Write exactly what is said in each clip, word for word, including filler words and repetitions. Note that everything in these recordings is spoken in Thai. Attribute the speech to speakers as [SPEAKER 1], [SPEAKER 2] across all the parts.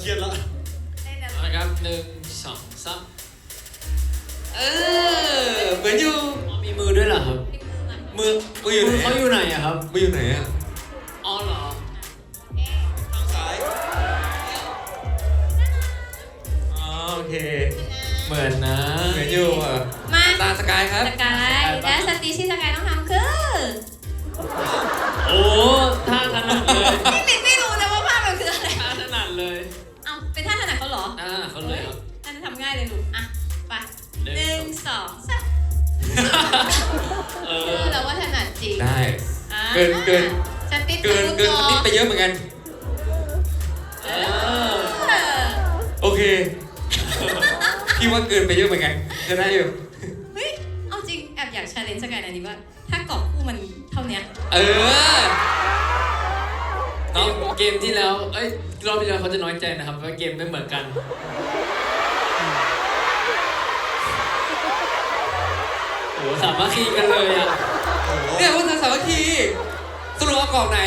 [SPEAKER 1] รียดแล้ว
[SPEAKER 2] นะครับหนึ่งสองสาม
[SPEAKER 3] เออเหมือนอยู่
[SPEAKER 2] มีมือด้วยเหรอครับ
[SPEAKER 3] มือมืออยู่ไหน
[SPEAKER 2] เขาอยู่ไหนอะครับ
[SPEAKER 3] มืออยู่ไหนอะ
[SPEAKER 2] อ๋อเหรอ
[SPEAKER 1] ซ้าย
[SPEAKER 3] อ๋อโอเค
[SPEAKER 2] เหมือนนะ
[SPEAKER 3] เหมือนอยู่อ่ะ
[SPEAKER 4] มา
[SPEAKER 3] ตาสกายครับ
[SPEAKER 4] สกายและสตีชี่สกายต้องทำคือ
[SPEAKER 2] โอ้ท่าถนัดเลย
[SPEAKER 4] ไม่ลินไม่รู้นะว่าภาพมันคืออะไร
[SPEAKER 2] ท่าถนัดเลย
[SPEAKER 4] เอาเป็นท่าถนัดเขาเหรอ
[SPEAKER 2] อ่าเขาเลยครับ
[SPEAKER 4] ท่านทำง่ายเลยลูกอ่ะไปหนึ่งสองสามเออเราว่าถนัดจริง
[SPEAKER 3] ได้เกินเกิน
[SPEAKER 4] สติ
[SPEAKER 3] เกินเกินสติไปเยอะเหมือนกันโอเคพี่ว่าเกินไปเยอะเหมือนกันจะได้อยู่
[SPEAKER 4] เฮ้ยเอาจริงแอบอยากชาเลนจ์สกายนะนี่ว่าถ้ากรอบคู่มันเท่านี้
[SPEAKER 3] เออ
[SPEAKER 2] เกมเกมที่แล้วเอ้ยรอบที่แล้วเขาจะน้อยใจนะครับว่าเกมไม่เหมือนกันโอ้สามัคคีกันเลยอ่ะ
[SPEAKER 3] เนี่ยพวกเธอสามัคคีสรุปเอากล่องไหน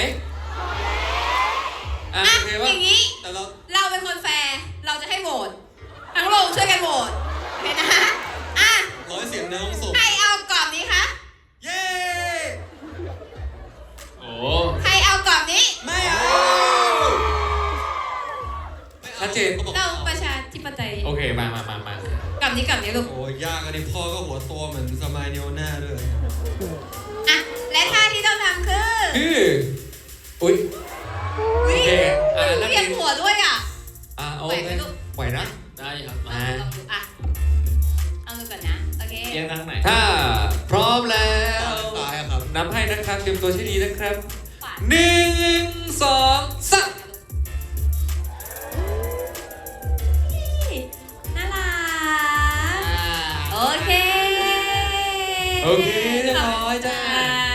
[SPEAKER 4] อ่ะอย่างนี้เราเราเป็นคนแฟร์เราจะให้โหวตทั้งโรงช่วยกันโหวตเห็นนะอ่ะ
[SPEAKER 1] ร้อยเสียงในห้องส่ง
[SPEAKER 4] ใครเอากรอบนี้คะ
[SPEAKER 1] เย้
[SPEAKER 2] โอ้
[SPEAKER 4] ใครเอากรอบนี้
[SPEAKER 1] ไม่เอา
[SPEAKER 3] ชัดเจน
[SPEAKER 4] เราประชาธิปไตย
[SPEAKER 3] โอเคมามามามาก
[SPEAKER 4] รอบนี้กรอบนี้ลูก
[SPEAKER 1] โอ้ยากอันนี้พ่อก็หัวโตเหมือนสมัยเนียวหน้าด้วย
[SPEAKER 4] อ่ะและท่าที่ต้องทำคือ
[SPEAKER 3] คืออุ้ย
[SPEAKER 4] โอเคอ่ะเรียนหัวด้วยอ่ะ
[SPEAKER 3] อ่ะโอเคไหวนะ
[SPEAKER 2] ได้ครับ
[SPEAKER 4] มาลองดูอ่ะเอาดูก่อนนะโอเค
[SPEAKER 2] ยังทางไหน
[SPEAKER 3] ถ้าพร้อมแล้ว
[SPEAKER 1] ตายครับ
[SPEAKER 3] นับให้นะครับเตรียมตัวให้ดีนะครับหนึ่งสองสาม
[SPEAKER 4] น่ารักโอเค
[SPEAKER 3] โอเคเรียบร้อยจ้า